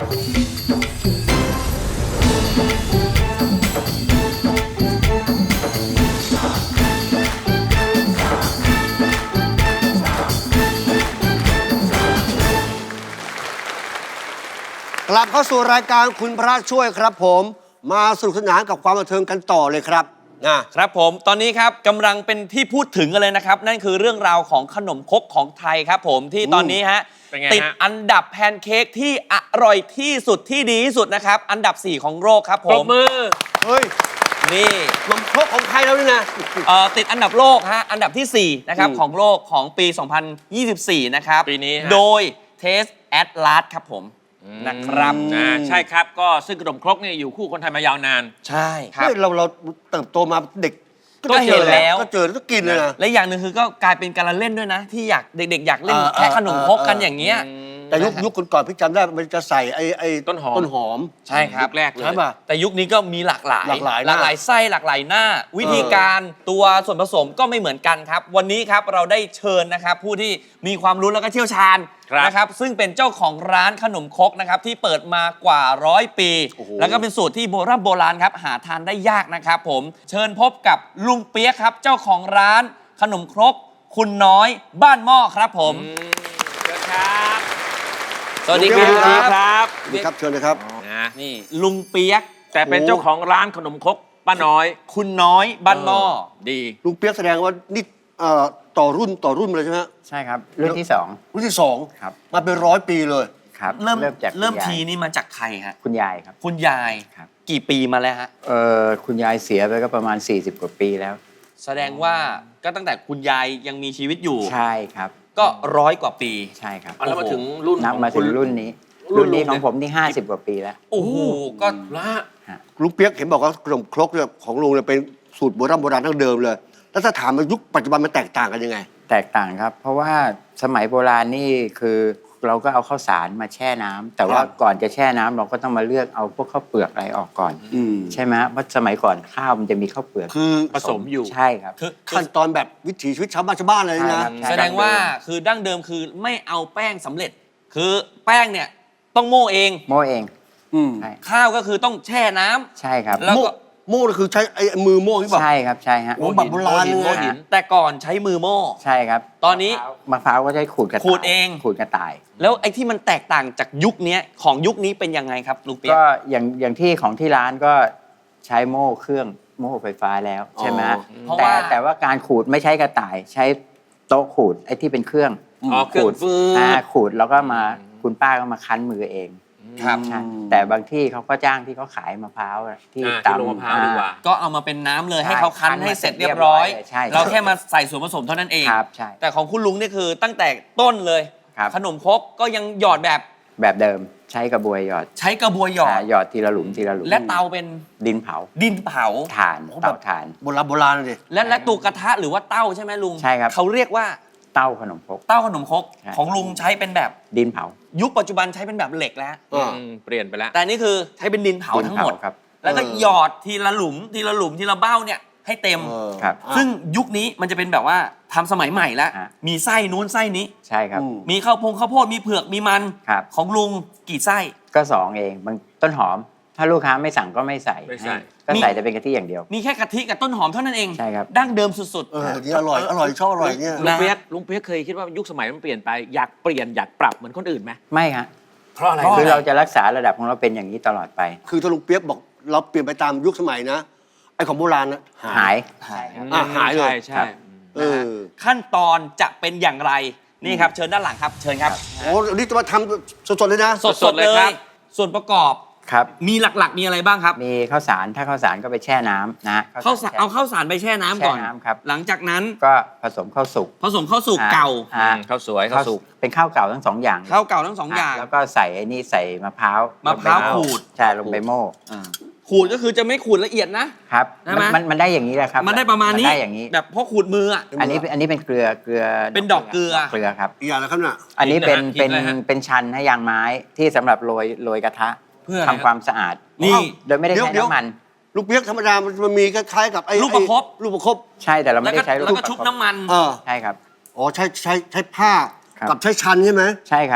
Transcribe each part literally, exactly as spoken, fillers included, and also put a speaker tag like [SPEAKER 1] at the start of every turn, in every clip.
[SPEAKER 1] กลับเข้าสู่รายการคุณพระช่วยครับผมมาสนุกสนานกับความบันเทิงกันต่อเลยครับ
[SPEAKER 2] นะครับผมตอนนี้ครับกำลังเป็นที่พูดถึงกันเลยนะครับนั่นคือเรื่องราวของขนมครกของไทยครับผมที่ตอนนี้ฮะติดอันดับแพนเค้กที่อร่อยที่สุดที่ดีที่สุดนะครับอันดับสี่ของโลกครับผมปรบมือ
[SPEAKER 1] เฮ้ย
[SPEAKER 2] นี่
[SPEAKER 1] ขนมครกของไทยแล้วนี่นะ
[SPEAKER 2] เอ่อติดอันดับโลกฮะอันดับที่สี่นะครับของโลกของปีสองพันยี่สิบสี่นะครับ
[SPEAKER 3] ปีนี้
[SPEAKER 2] โดย Taste Atlas ครับผมนะครับ
[SPEAKER 3] ใช่ครับก็ซึ่งขนมครกเนี่ยอยู่คู่คนไทยมายาวนาน
[SPEAKER 2] ใช่ครับ
[SPEAKER 1] เราเราเติบโตมาเด็ก
[SPEAKER 2] ก็เห็นแล้ว
[SPEAKER 1] ก็เจอแล้วก็กินเลยนะ
[SPEAKER 2] และอย่างหนึ่งคือก็กลายเป็นการเล่นด้วยนะที่อยากเด็กๆอยากเล่นแค่ขนมครกกันอย่างเงี้ย
[SPEAKER 1] แต่ยุคยุคก่อนๆพี่จำได้มันจะใส่ไอ้ไอ้
[SPEAKER 3] ต้นหอม
[SPEAKER 1] ต้นหอม
[SPEAKER 2] ใช่ครับ
[SPEAKER 3] ยุคแรกเลย
[SPEAKER 2] ใช่ป่ะแต่ยุคนี้ก็มีหลากหลาย
[SPEAKER 1] หลากหลาย
[SPEAKER 2] หลากหลายไส้หลากหลายหน้าวิธีการตัวส่วนผสมก็ไม่เหมือนกันครับวันนี้ครับเราได้เชิญนะครับผู้ที่มีความรู้แล้วก็เชี่ยวชาญนะครับซึ่งเป็นเจ้าของร้านขนมครกนะครับที่เปิดมากว่าร้อยปีแล้วก็เป็นสูตรที่โบราณโบราณครับหาทานได้ยากนะครับผมเชิญพบกับลุงเปี๊ยกครับเจ้าของร้านขนมครกคุณน้อยบ้านหม้อครับผม
[SPEAKER 3] เชิญครับ
[SPEAKER 2] สวัสดีครับ
[SPEAKER 3] สวัสดีครับ
[SPEAKER 1] สวัสดีครับเชิญเลยครับ
[SPEAKER 2] นะนี่ลุงเปี๊ยก
[SPEAKER 3] แต่เป็นเจ้าของร้านขนมครกป้าน้อย
[SPEAKER 2] คุณน้อยบ้านหม้อ
[SPEAKER 3] ดี
[SPEAKER 1] ลุงเปี๊ยกแสดงว่านี่ต่อรุ่นต่อรุ่นเลยใช่ไหม
[SPEAKER 4] ใช่ครับรุ่นที่สอง
[SPEAKER 1] รุ่นที่สอง
[SPEAKER 4] ครับ
[SPEAKER 1] มาเป็นร้อยปีเลย
[SPEAKER 4] ครับ
[SPEAKER 2] เริ่มจากเริ่มทีนี่มาจากใครฮะ
[SPEAKER 4] คุณยายครับ
[SPEAKER 2] คุณยายครับกี่ปีมาแล้วฮะ
[SPEAKER 4] เออคุณยายเสียไปก็ประมาณสี่สิบกว่าปีแล้ว
[SPEAKER 2] แสดงว่าก็ตั้งแต่คุณยายยังมีชีวิตอยู่
[SPEAKER 4] ใช่ครับ
[SPEAKER 2] ก็ร้อยกว่าปี
[SPEAKER 4] ใช่ครับ
[SPEAKER 3] แล้วมาถึงรุ่น
[SPEAKER 4] นับมาถึงรุ่นนี้รุ่นนี้ของผมนี่ห้าสิบกว่าปีแล้ว
[SPEAKER 2] โอ้โหก็
[SPEAKER 3] ละ
[SPEAKER 1] ลุงเปี๊ยกเห็นบอกว่าขนมครกเนี่ยของลุงเนี่ยเป็นสูตรโบราณโบราณทั้งเดิมเลยแล้วถ้าถามว่ายุคปัจจุบันมันแตกต่างกันยังไง
[SPEAKER 4] แตกต่างครับเพราะว่าสมัยโบราณนี่คือเราก็เอาข้าวสารมาแช่น้ำแต่ว่าก่อนจะแช่น้ำเราก็ต้องมาเลือกเอาพวกข้าวเปลือกอะไรออกก่อนใช่ไหมเพราะสมัยก่อนข้าวมันจะมีข้าวเปลือก
[SPEAKER 1] คือ
[SPEAKER 3] ผสมอยู่
[SPEAKER 4] ใช่ครับ
[SPEAKER 1] คือขั้นตอนแบบวิถีชีวิตชาวบ้านชาวบ้านเลยนะ
[SPEAKER 2] แสดงว่าคือดั้งเดิมคือไม่เอาแป้งสำเร็จคือแป้งเนี่ยต้องโม่เอง
[SPEAKER 4] โม่เอง
[SPEAKER 2] ข้าวก็คือต้องแช่น้ำ
[SPEAKER 4] ใช่ครับ
[SPEAKER 2] แล้วก็
[SPEAKER 1] โม่คือใช้ไอ้มือโม่ที่แบบ
[SPEAKER 4] ใช่ครับใช่ฮะ
[SPEAKER 1] โอ้แบบโบราณเลย
[SPEAKER 2] แต่ก่อนใช้มือโม่
[SPEAKER 4] ใช่ครับ
[SPEAKER 2] ตอนนี้
[SPEAKER 4] มะพร้าวก็ใช้ขูดกระต่าย
[SPEAKER 2] ขูดเอง
[SPEAKER 4] ขูดกระต่าย
[SPEAKER 2] แล้วไอ้ที่มันแตกต่างจากยุคนี้ของยุคนี้เป็นยังไงครับลุงเปี๊ยก
[SPEAKER 4] ก็อย่างอย่างที่ของที่ร้านก็ใช้โม่เครื่องโม่ไฟฟ้าแล้วใช่ไหมแต่แต่ว่าการขูดไม่ใช้กระต่ายใช้โต๊ะขูดไอ้ที่เป็นเครื่อง
[SPEAKER 3] ขูด
[SPEAKER 4] ขูดแล้วก็มาคุณป้าก็มาคั้นมือเอง
[SPEAKER 2] ครับ
[SPEAKER 4] แต่บางที่เขาก็จ้างที่เขาขายมะพร้าวที่
[SPEAKER 3] ตำมะพร้าวดีกว่า
[SPEAKER 2] ก็เอามาเป็นน้ำเลยให้เขาคั้นให้เสร็จเรียบร้อยเราแค่มาใส่ส่วนผสมเท่านั้นเอง
[SPEAKER 4] ครับใช่
[SPEAKER 2] แต่ของคุณลุงนี่คือตั้งแต่ต้นเลยขนมครกก็ยังหยอดแบบ
[SPEAKER 4] แบบเดิมใช้กระบวยหยอด
[SPEAKER 2] ใช้กระบวยหยอด
[SPEAKER 4] หยอดทีละหลุมทีละหลุม
[SPEAKER 2] และเตาเป็น
[SPEAKER 4] ดินเผา
[SPEAKER 2] ดินเผา
[SPEAKER 4] ถ่านเตาถ่าน
[SPEAKER 1] โบราณโบราณเลย
[SPEAKER 2] และและตัวกระทะหรือว่าเต้าใช่ไหมลุง
[SPEAKER 4] ใช่ครับ
[SPEAKER 2] เขาเรียกว่า
[SPEAKER 4] เต้าขนมครก
[SPEAKER 2] เต้าขนมครกของลุงใช้เป็นแบบ
[SPEAKER 4] ดินเผา
[SPEAKER 2] ยุคปัจจุบันใช้เป็นแบบเหล็กแล้ว
[SPEAKER 3] เปลี่ยนไปแล้ว
[SPEAKER 2] แต่นี่คือใช้เป็นดินเผาทั้งหมด
[SPEAKER 4] ครับ
[SPEAKER 2] แล้วก็หยอดทีละหลุมทีละหลุมทีละเบ้าเนี่ยให้เต็ม
[SPEAKER 4] ครับ
[SPEAKER 2] ซึ่งยุคนี้มันจะเป็นแบบว่าทำสมัยใหม่แล้วมีไส้นู้นไส้นี้
[SPEAKER 4] ใช่ครับ
[SPEAKER 2] มีข้าวโพดข้าวโพดมีเผือกมีมันของลุงกี่ไส้
[SPEAKER 4] ก็สองเองบางต้นหอมถ้าลูกค้าไม่สั่งก็ไม่ใส่ก็ใส่แต่เป็นกะทิอย่างเดียว
[SPEAKER 2] มีแค่กะทิกับต้นหอมเท่านั้นเอง
[SPEAKER 4] ใช่ครับ
[SPEAKER 2] ดั้งเดิมสุดๆ
[SPEAKER 1] เออนี่อร่อยอร่อยชอบอร่อยเนี่ย
[SPEAKER 3] ลุงเปี๊ยกลุงเปี๊ยกเคยคิดว่ายุคสมัยมันเปลี่ยนไปอยากเปลี่ยนอยากปรับเหมือนคนอื่นไหม
[SPEAKER 4] ไม่ฮะ
[SPEAKER 3] เพราะอะไร
[SPEAKER 4] คือเราจะรักษาระดับของเราเป็นอย่างนี้ตลอดไป
[SPEAKER 1] คือถ้าลุงเปี๊ยกบอกเราเปลี่ยนไปตามยุคสมัยนะไอ้ของโบราณนะ
[SPEAKER 4] หาย
[SPEAKER 1] หายหายเลย
[SPEAKER 3] ใช่
[SPEAKER 1] เออ
[SPEAKER 2] ขั้นตอนจะเป็นอย่างไรนี่ครับเชิญด้านหลังครับเชิญครับ
[SPEAKER 1] โอ้นี่จะมาทำสดๆเลยนะ
[SPEAKER 2] สดๆเลยครับส่วนประกอบ
[SPEAKER 4] ครับ
[SPEAKER 2] มีหลักๆมีอะไรบ้างครับ
[SPEAKER 4] มีข้าวสารถ้าข้าวสารก็ไปแช่น้ำนะ
[SPEAKER 2] ข้าวสารเอาข้าวสารไปแช่น้ำก่อน
[SPEAKER 4] แช่น้ำครับ
[SPEAKER 2] หลังจากนั้น
[SPEAKER 4] ก็ผสมข้าวสุก
[SPEAKER 2] ผสมข้าวสุกเก่า
[SPEAKER 3] ข้าวสวยข้าวสุก
[SPEAKER 4] เป็นข้าวเก่าทั้งสองอย่าง
[SPEAKER 2] ข้าวเก่าทั้งสองอย่าง
[SPEAKER 4] แล้วก็ใส่ไอ้นี่ใส่มะพร้าว
[SPEAKER 2] มะพร้าวขูด
[SPEAKER 4] ใช่ลงไปโม่
[SPEAKER 2] ขูดก็คือจะไม่ขูดละเอียดนะครับ
[SPEAKER 4] มันมันได้อย่างนี้แหละครับ
[SPEAKER 2] มันได้ประมาณนี้
[SPEAKER 4] ได้อย่างนี้
[SPEAKER 2] แบบพอขูดมืออ่ะ
[SPEAKER 4] อันนี้อันนี้เป็นเกลือเกลือ
[SPEAKER 2] เป็นดอกเกลือ
[SPEAKER 4] เกลือครับ
[SPEAKER 1] อีกอย่างนะครับน่ะ
[SPEAKER 4] อันนี้เป็นเป็นเป็นชันให้ยางไม้ที่สำหรับโรยโรยกระทะ
[SPEAKER 2] เพื่อ
[SPEAKER 4] ทำความสะอาด
[SPEAKER 2] นี่
[SPEAKER 4] โดยไม่ได้ใช้น้ำมัน
[SPEAKER 1] ลูกเปี๊ยกธรรมดามันมีคล้ายๆกับไอ้
[SPEAKER 2] ลูกประคบ
[SPEAKER 1] ลูกประคบ
[SPEAKER 4] ใช่แต่เราไม่ได้ใช้ลูก
[SPEAKER 2] แล้วก็ชุบน้ำมัน
[SPEAKER 1] เออ
[SPEAKER 4] ใช่ครับ
[SPEAKER 1] อ๋อใช้ใช้ใช้ผ้ากับใช้ชันใช่ไหม
[SPEAKER 4] ใช่ครับ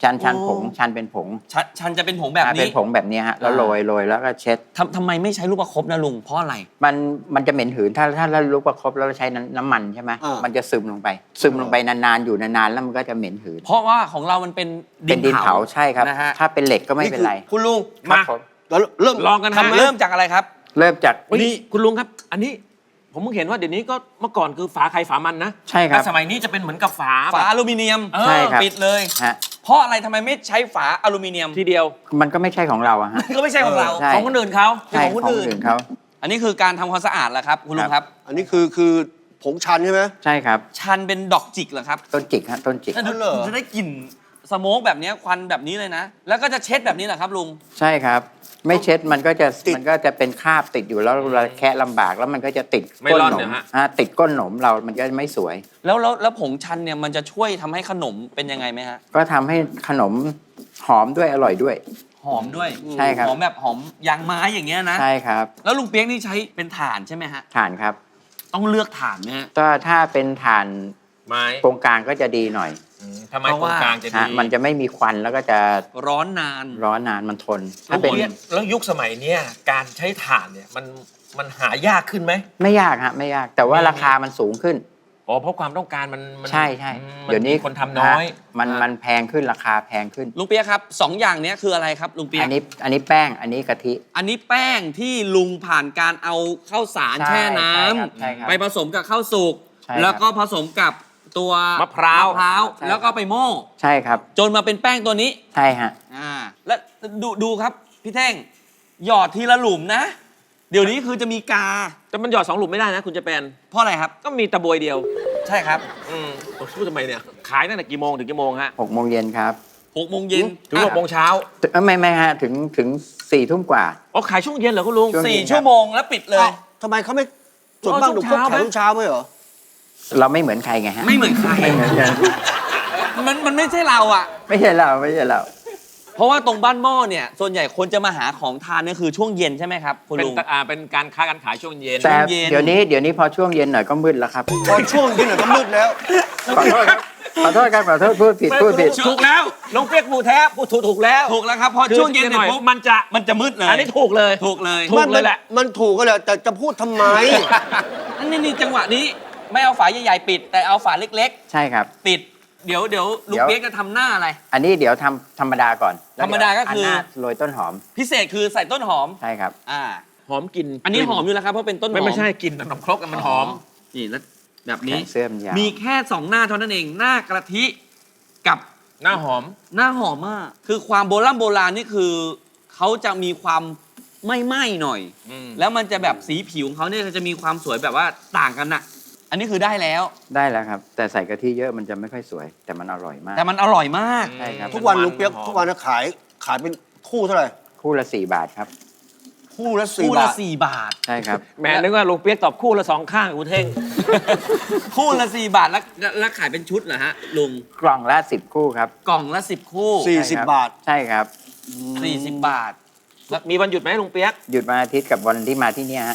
[SPEAKER 4] ชันชัน
[SPEAKER 1] โอ้
[SPEAKER 4] ผงชันเป็นผง
[SPEAKER 2] ชันชันจะเป็นผงแบบ
[SPEAKER 4] อ่าเป็
[SPEAKER 2] นี้
[SPEAKER 4] นผงแบบเนี้ยฮะแล้ว
[SPEAKER 2] อ่า
[SPEAKER 4] โรยโรยแล้วก็เช็ด
[SPEAKER 2] ทำทำไมไม่ใช้ลูกประคบนะลุงเพราะอะไร
[SPEAKER 4] มันมันจะเหม็นหืนถ้าถ้าเราลุกประคบแล้วเราใช้น้ำน้ำมันใช่ไหม
[SPEAKER 1] อ่ามั
[SPEAKER 4] มันจะซึมลงไป ซึมลงไปนานๆอยู่นานๆแล้วมันก็จะเหม็นหืน
[SPEAKER 2] เพราะว่าของเรามันเป็น
[SPEAKER 4] เป็นดินเผาใช่ครับ
[SPEAKER 2] นะฮะ
[SPEAKER 4] ถ้าเป็นเหล็กก็ไม่เป็นไร
[SPEAKER 1] คุณลุง
[SPEAKER 4] ครับ
[SPEAKER 3] มา
[SPEAKER 4] ผม
[SPEAKER 1] แล้วเริ่ม
[SPEAKER 3] ลองกันฮะ
[SPEAKER 2] ทำเริ่มจากอะไรครับ
[SPEAKER 4] เริ่มจาก
[SPEAKER 3] นี่คุณลุงครับ อันนี้ผมเพิ่งเห็นว่าเดี๋ยวนี้ก็เมื่อก่อนคือฝาใครฝามันนะ
[SPEAKER 4] ใช่ครับ
[SPEAKER 3] แต่สมัยนี้จะเป็นเหมือนกับฝา
[SPEAKER 2] ฝา
[SPEAKER 3] แบบ
[SPEAKER 2] อลูมิเนียม
[SPEAKER 3] เออ
[SPEAKER 4] ใช่ครับ
[SPEAKER 2] ปิดเลย
[SPEAKER 4] ฮะ
[SPEAKER 2] เพราะอะไรทำไมไม่ใช้ฝาอลูมิเนียม
[SPEAKER 3] ทีเดียว
[SPEAKER 4] มันก็ไม่ใช่ของเราอะฮะ
[SPEAKER 2] ก็ไม่ใช่ของเรา
[SPEAKER 4] ใช่
[SPEAKER 3] ของคนอื่นเขา
[SPEAKER 4] ใช่
[SPEAKER 2] ของคนอื่น
[SPEAKER 4] เขา
[SPEAKER 2] อันนี้คือการทำความสะอาดแหละครับคุณลุงครับ
[SPEAKER 1] อันนี้คือคือผงชันใช่ไหม
[SPEAKER 4] ใช่ครับ
[SPEAKER 2] ชันเป็นดอกจิกเหรอครับ
[SPEAKER 4] ต้นจิกฮะต้นจิก
[SPEAKER 2] แล้ว
[SPEAKER 1] เหรอ
[SPEAKER 2] จะได้กลิ่นสโมกแบบเนี้ยควันแบบนี้เลยนะ แล้วก็จะเช็ดแบบนี้เหรอครับลุง
[SPEAKER 4] ใช่ครับ ไม่เช็ดมันก็จะมันก็จะเป็นคราบติดอยู่แล้วเราแคะลำบากแล้วมันก็จะติด
[SPEAKER 3] ไม่
[SPEAKER 4] ก้น
[SPEAKER 3] ร่อน
[SPEAKER 4] หน
[SPEAKER 3] เน
[SPEAKER 4] ม
[SPEAKER 3] ยฮะ
[SPEAKER 4] ฮะติดก้นหนมเรามันก็ไม่สวย
[SPEAKER 2] แล้วแล้วแล้วผงชันเนี่ยมันจะช่วยทำให้ขนมเป็นยังไงไหมฮะ
[SPEAKER 4] ก็ทำให้ขนมหอมด้วยอร่อยด้วย
[SPEAKER 2] หอมด้วย
[SPEAKER 4] ใช่ครับ
[SPEAKER 2] หอมแบบหอมยางไม้อย่างเงี้ยนะ
[SPEAKER 4] ใช่ครับ
[SPEAKER 2] แล้วลุงเปียกนี่ใช้เป็นถ่านใช่ไหมฮะ
[SPEAKER 4] ถ่านครับ
[SPEAKER 2] ต้องเลือกถ่านไหมฮะ
[SPEAKER 4] ก็ถ้าเป็นถ่าน
[SPEAKER 3] ไม้
[SPEAKER 4] โครงกลางก็จะดีหน่อย
[SPEAKER 3] อืมทำไม
[SPEAKER 2] เพราะ
[SPEAKER 3] โครง
[SPEAKER 2] ว่า
[SPEAKER 3] กลางจะดี
[SPEAKER 4] ฮะมันจะไม่มีควันแล้วก็จะ
[SPEAKER 2] ร้อนนาน
[SPEAKER 4] ร้อนนานมันทน
[SPEAKER 3] แล้
[SPEAKER 4] ถ้าว เป็น
[SPEAKER 3] แล้วยุคสมัยเนี้ยการใช้ถ่านเนี่ยมันมันหายากขึ้นไหม
[SPEAKER 4] ไม่ยากฮะไม่ยาก แต่ว่าราคามันสูงขึ้น
[SPEAKER 3] อ๋อเพราะความต้องการมันมั
[SPEAKER 4] ใช่ใช่
[SPEAKER 3] อืม
[SPEAKER 4] เดี๋ยวนี้
[SPEAKER 3] มีคนทำน้อย
[SPEAKER 4] ฮะมันมันแพงขึ้นราคาแพงขึ้น
[SPEAKER 2] ลุงเปียกครับสองอย่างเนี้ยคืออะไรครับลุงเปีย
[SPEAKER 4] อั
[SPEAKER 2] ก
[SPEAKER 4] นนี้อันนี้แป้งอันนี้กะทิ
[SPEAKER 2] อันนี้แป้งที่ลุงผ่านการเอาข้าวสาร
[SPEAKER 4] ใช่
[SPEAKER 2] แช่น้
[SPEAKER 4] ใช่ครับใช่ครับ
[SPEAKER 2] ำไปผสมกับข้าวสุก
[SPEAKER 4] ใช่ครับ
[SPEAKER 2] แล้วก็ผสมกับตัว
[SPEAKER 3] มะพร้าว
[SPEAKER 2] มะพร้าว
[SPEAKER 4] ใช่ครับ
[SPEAKER 2] แล้วก็ไปโม่
[SPEAKER 4] ใช่ครับ
[SPEAKER 2] จนมาเป็นแป้งตัวนี้
[SPEAKER 4] ใช่ฮะ
[SPEAKER 2] อ่าแล้วดูดูครับพี่เท่งหยอดทีละหลุมนะ เดี๋ยวนี้คือจะมีกา
[SPEAKER 3] แต่มันหยอดสองหลุมไม่ได้นะคุณจะเป็น
[SPEAKER 2] เพราะอะไรครับ
[SPEAKER 3] ก็มีตะบวยเดียว
[SPEAKER 2] ใช่ครับ
[SPEAKER 3] อืมผมพูดทำไมเนี่ย ขายตั้งแต่กี่โมงถึงกี่โมงฮะ
[SPEAKER 4] หกโมงเย็นครับ
[SPEAKER 2] หกโมงเย็น
[SPEAKER 3] ถึงหกโมงเช้า
[SPEAKER 4] ถึงเอ้ยไม่ไม่ฮะถึงถึงสี่ทุ่มกว่า
[SPEAKER 3] อ๋อขายช่วงเย็นเหรอคุณลุง
[SPEAKER 4] ช่วง
[SPEAKER 2] สี่ชั่วโมงแล้วปิดเลย
[SPEAKER 1] อ้าวทำไมเขาไม่ส่วนมากหนุ่มพวกขายทุกเช้าไหมเหรอ
[SPEAKER 4] เราไม่เหมือนใครไงฮะ
[SPEAKER 2] ไม่เหมือนใคร
[SPEAKER 4] ไม่เหมือนกัน
[SPEAKER 2] มันมันไม่ใช่เราอ่ะ
[SPEAKER 4] ไม่ใช่เราไม่ใช่เรา
[SPEAKER 2] เพราะว่าตรงบ้านหม้อเนี่ยส่วนใหญ่คนจะมาหาของทานเนี่ยคือช่วงเย็นใช่ไหมครับคุณ
[SPEAKER 3] เป็น
[SPEAKER 2] ลุง
[SPEAKER 3] ตะอ่าเป็นการค้าการขายช่วงเย็น
[SPEAKER 4] แต่
[SPEAKER 2] เย็น
[SPEAKER 4] เดี๋ยวนี้เดี๋ยวนี้พอช่วงเย็นหน่อยก็มืดแล้วครับ
[SPEAKER 1] พอช่วงที่หน่อยก็มืดแล้ว
[SPEAKER 4] ขอโทษครับขอโทษครับขอโทษพูดผิดพูดผิด
[SPEAKER 3] ถูกแล้วน้องเปียกผูแท้พูดถูกถูกแล้ว
[SPEAKER 2] ถูกแล้วครับพอ
[SPEAKER 3] คือ
[SPEAKER 2] ช่วงเย็น
[SPEAKER 3] ห
[SPEAKER 2] เนี่
[SPEAKER 3] น่อย
[SPEAKER 2] ยปุ๊บ
[SPEAKER 3] มันจะ
[SPEAKER 2] มันจะมืดเลย
[SPEAKER 3] อันนี้ถูกเลย
[SPEAKER 2] ถูกเลย
[SPEAKER 3] ถูกเลยแหละ
[SPEAKER 1] มันถูกก็แล้วแต่จะพูดทำไม
[SPEAKER 2] อันนี้นี่จังหวะนี้ไม่เอาฝาใหญ่ๆปิด แต่เอาฝาเล็ก
[SPEAKER 4] ใช่ครับ
[SPEAKER 2] ๆ ปิด เดี๋ยวเดี๋ยวลุง
[SPEAKER 4] เดี๋ยว
[SPEAKER 2] เปียกจะทำหน้าอะไร
[SPEAKER 4] อันนี้เดี๋ยวทำธรรมดาก่อนแล้ว
[SPEAKER 2] ธรรมดาก็คือ
[SPEAKER 4] นหน้าโรยต้นหอม
[SPEAKER 2] พิเศษคือใส่ต้นหอม
[SPEAKER 4] ใช่ครับ
[SPEAKER 2] อ่า
[SPEAKER 3] หอมกลิ่น
[SPEAKER 2] อันนี้หอมอยู่แล้วครับเพราะเป็นต้นหอม
[SPEAKER 3] ไม่ไม่ใช่กลิ่นขนมครกอะมันหอม
[SPEAKER 2] นี่แล้วแบบ
[SPEAKER 4] แข
[SPEAKER 2] นี้
[SPEAKER 4] นเสื้อมันยาว
[SPEAKER 2] มีแค่สองหน้าเท่านั้นเอง หน้ากระทิกับ
[SPEAKER 3] หน้าหอม
[SPEAKER 2] หน้าหอมมาก คือความโบราณโบราณนี่คือเขาจะมีความไม่ไหม้หน่อย
[SPEAKER 3] อืม
[SPEAKER 2] แล้วมันจะแบบสีผิวของเขาเนี่ยจะมีความสวยแบบว่าต่างกันน่ะ อันนี้คือได้แล้ว
[SPEAKER 4] ได้แล้วครับ แต่ใส่กะทิเยอะมันจะไม่ค่อยสวย แต่มันอร่อยมาก
[SPEAKER 2] แต่มันอร่อยมาก
[SPEAKER 4] ใช่ครับ
[SPEAKER 1] ทุกวันลุงเปียกทุกวันนะขายขายเป็นคู่เท่าไหร่
[SPEAKER 4] คู่ละสี่บาทครับ
[SPEAKER 1] คู่ละสี่
[SPEAKER 2] คู่ละ
[SPEAKER 1] บาท
[SPEAKER 2] สี่บาท
[SPEAKER 4] ใช่ครับ
[SPEAKER 3] แหมนึกว่าลุงเปียกตอบคู่ละสองข้างอุเท่ง
[SPEAKER 2] คู่ละสี่บาทแล้วแล้วขายเป็นชุดเหรอฮะลุง
[SPEAKER 4] กล่องละสิบคู่ครับ
[SPEAKER 2] กล่องละสิบคู่
[SPEAKER 1] สี่
[SPEAKER 4] ใช่
[SPEAKER 1] สิบ
[SPEAKER 4] ครับ
[SPEAKER 1] บาท
[SPEAKER 4] ใช่ครับ
[SPEAKER 2] สี่สิบบาท
[SPEAKER 3] มีวันหยุดไหมลุงเปียก
[SPEAKER 4] หยุดวันอาทิตย์กับวันที่มาที่เนี่ยฮะ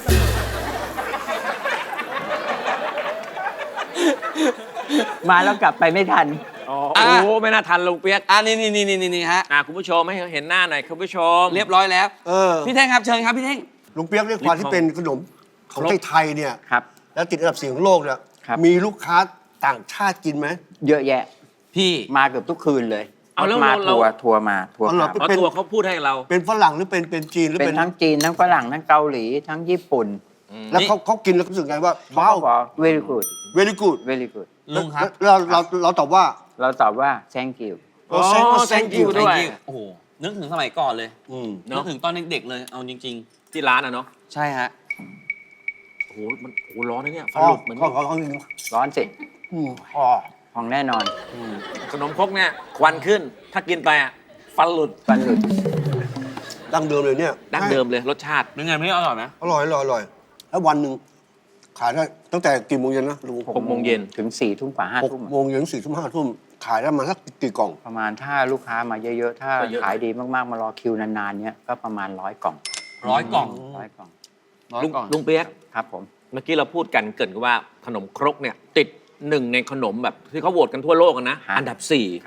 [SPEAKER 4] มาแล้วกลับไปไม่ทัน
[SPEAKER 3] อ๋อ
[SPEAKER 2] อ่ะ
[SPEAKER 3] โอ้โหไม่น่าทันลุงเปียก
[SPEAKER 2] อ่านี่นี่นี่นี่นี่ฮะ
[SPEAKER 3] อ่ะคุณผู้ชมให้เห็นหน้าหน่อยคุณผู้ชม
[SPEAKER 2] เรียบร้อยแล้ว
[SPEAKER 1] เออ
[SPEAKER 2] พี่เท่งครับเชิญครับพี่เท่ง
[SPEAKER 1] ลุงเปียกเรียกความที่เป็นขนมของ
[SPEAKER 3] ครบ
[SPEAKER 1] ไทยๆเนี่ย
[SPEAKER 4] ครับ
[SPEAKER 1] แล้วติดอันดับสี่ของโลกเนี่ย
[SPEAKER 4] ครับ
[SPEAKER 1] มีลูกค้าต่างชาติกินไหม
[SPEAKER 4] เยอะแยะ
[SPEAKER 2] พี่
[SPEAKER 4] มาเกือบทุกคืนเลย
[SPEAKER 3] เอาแล้ว
[SPEAKER 4] มา
[SPEAKER 3] เรา
[SPEAKER 4] ทัวร์ทัวร์มาทัวร์
[SPEAKER 1] เอาเหรอ
[SPEAKER 4] กลับ
[SPEAKER 3] เพราะ
[SPEAKER 1] เป็น
[SPEAKER 3] ตัวเขาพูดให้เรา
[SPEAKER 1] เป็นฝรั่งหรือเป็นเป็นจีนหรือ
[SPEAKER 4] เป็
[SPEAKER 1] เป็น น
[SPEAKER 4] ทั้งจีนทั้งฝรั่งทั้งเกาหลีทั้งญี่ปุ่น
[SPEAKER 1] แล้วเขาเขากินแล้วรู้สึกไงว่าว้าว
[SPEAKER 4] เขาบอก very good
[SPEAKER 1] very good
[SPEAKER 4] very good
[SPEAKER 2] ลุงครับ
[SPEAKER 1] แล้วเราเราเราตอบว่า
[SPEAKER 4] เราตอบว่า thank you
[SPEAKER 1] เรา thank
[SPEAKER 3] อ๋อ
[SPEAKER 1] thank you
[SPEAKER 3] thank you ด้วย
[SPEAKER 2] โอ้โห นึกถึงสมัยก่อนเลย
[SPEAKER 1] อืม
[SPEAKER 2] นึกถึงตอนเด็กๆเลย เอาจริง
[SPEAKER 3] ที่ร้านอ่ะเนาะ
[SPEAKER 2] ๆ ใช่ฮะ
[SPEAKER 3] โอ้โหมันโอ้โหร้อนนะเนี่ยฟั
[SPEAKER 1] อ๋
[SPEAKER 3] น
[SPEAKER 1] อ
[SPEAKER 3] หลุดเหมือน
[SPEAKER 1] เขาเขาเขาจริง
[SPEAKER 4] ร้อนสิ
[SPEAKER 1] อืมอ๋อ
[SPEAKER 4] พองแน่นอน
[SPEAKER 3] ขนมครกเนี่ยควันขึ้น ถ้ากินไปอ่ะฟันหลุด
[SPEAKER 4] ฟันหลุด
[SPEAKER 1] ดั้งเดิมเลยเนี่ย
[SPEAKER 3] ดั้งเดิมเลยรสชาติ
[SPEAKER 2] เป็นไงไม่อร่อยไหม
[SPEAKER 1] อร่อยอร่อยอร่อยแล้ววันหนึ่งขายได้ตั้งแต่กี่โมงเย็นนะลุง
[SPEAKER 3] หกโมงเย็น
[SPEAKER 4] ถึงสี่ทุ่มกว่าห้า
[SPEAKER 1] หก
[SPEAKER 4] ทุ่ม
[SPEAKER 1] โมงเย็นถึงสี่ทุ่มห้าทุ่มขายได้มาสักกี่กล่อง
[SPEAKER 4] ประมาณถ้าลูกค้ามาเยอะๆ ถ้า
[SPEAKER 3] ก็เยอะ
[SPEAKER 4] ขายดีมากๆ มารอคิวนานๆเนี้ยก็ประมาณร้อยกล่อง
[SPEAKER 2] ร้อยกล่อง
[SPEAKER 4] ร้อยกล่อง
[SPEAKER 2] ร้อย
[SPEAKER 3] ลุง
[SPEAKER 2] กล่อง
[SPEAKER 3] ลุงเปียก
[SPEAKER 4] ครับผม
[SPEAKER 3] เมื่อกี้เราพูดกันเกรินกันว่าขนมครกเนี่ยติดหนึ่งในขนมแบบที่เขาโหวตกันทั่วโลกอะนะ
[SPEAKER 4] ฮะ
[SPEAKER 3] อันดับสี่
[SPEAKER 4] ครับ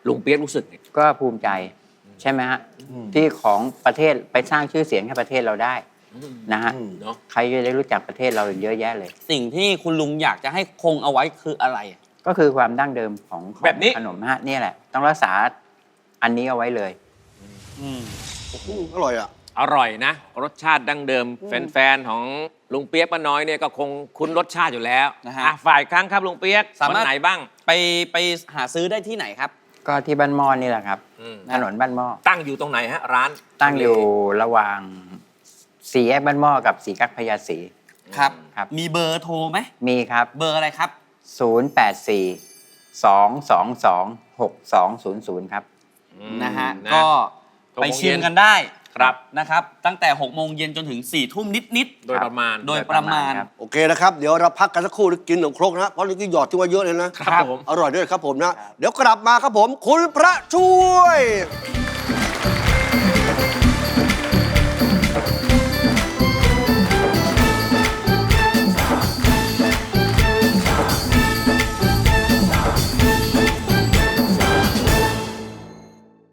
[SPEAKER 3] ลุงเปียกรู้สึกไง
[SPEAKER 4] ก็ภูมิใจใช่ไหมฮะที่ของประเทศไปสร้างชื่อเสียงให้ประเทศเราได้นะฮะ
[SPEAKER 3] เนาะ
[SPEAKER 4] ใครจะได้รู้จักประเทศเราเยอะแยะเลย
[SPEAKER 2] สิ่งที่คุณลุงอยากจะให้คงเอาไว้คืออะไร
[SPEAKER 4] ก็คือความดั้งเดิมของของ
[SPEAKER 3] แบบนี้
[SPEAKER 4] ขนมฮะนี่แหละ ต้องรักษาอันนี้เอาไว้เลย
[SPEAKER 2] อืม
[SPEAKER 1] อืมอร่อยอ่ะ
[SPEAKER 3] อร่อยนะ รสชาติดั้งเดิม แฟนๆของลุงเปียกป้าน้อยเนี่ยก็คงคุ้นรสชาติอยู่แล้ว
[SPEAKER 2] นะฮะ
[SPEAKER 3] อ่ะฝ่ายครั้งครับลุงเปียก
[SPEAKER 2] สามารถ
[SPEAKER 3] วันไหนบ้าง
[SPEAKER 2] ไปไปหาซื้อได้ที่ไหนครับ
[SPEAKER 4] ก็ที่บ้านหม้อนี่แหละครับ
[SPEAKER 3] อืม
[SPEAKER 4] ถนนบ้านหม้อ
[SPEAKER 3] ตั้งอยู่ตรงไหนฮะ ร้าน
[SPEAKER 4] ตั้งอยู่ระหว่างสี่แยกบ้านหม้อกับสี่กักพญาศรี
[SPEAKER 2] ครับ
[SPEAKER 4] ครับ
[SPEAKER 2] มีเบอร์โทรไหม
[SPEAKER 4] มีครับ
[SPEAKER 2] เบอร์อะไรครับ
[SPEAKER 4] ศูนย์ แปด สี่ สอง สอง สอง หก สอง ศูนย์ ศูนย์ ครับ
[SPEAKER 3] อืม
[SPEAKER 2] นะฮะ
[SPEAKER 3] นะ
[SPEAKER 2] ก็
[SPEAKER 3] หกโมง
[SPEAKER 2] ไปชิม
[SPEAKER 3] เย็น
[SPEAKER 2] กันได้
[SPEAKER 3] ครับ
[SPEAKER 2] นะครับ ตั้งแต่หกโมงเย็นจนถึงสี่ทุ่มนิด
[SPEAKER 3] โดยประมาณ
[SPEAKER 2] โดยประมาณ
[SPEAKER 4] ครับ
[SPEAKER 1] โอเคนะครับ เดี๋ยวเราพักกันสักครู่แล้วกินขนมครกนะ เพราะนี่ก็หยอดที่ว่าเยอะเลยนะ
[SPEAKER 3] ครับผม
[SPEAKER 1] อร่อยด้วยครับผมนะ เดี๋ยวกลับมาครับผม คุณพระช่วย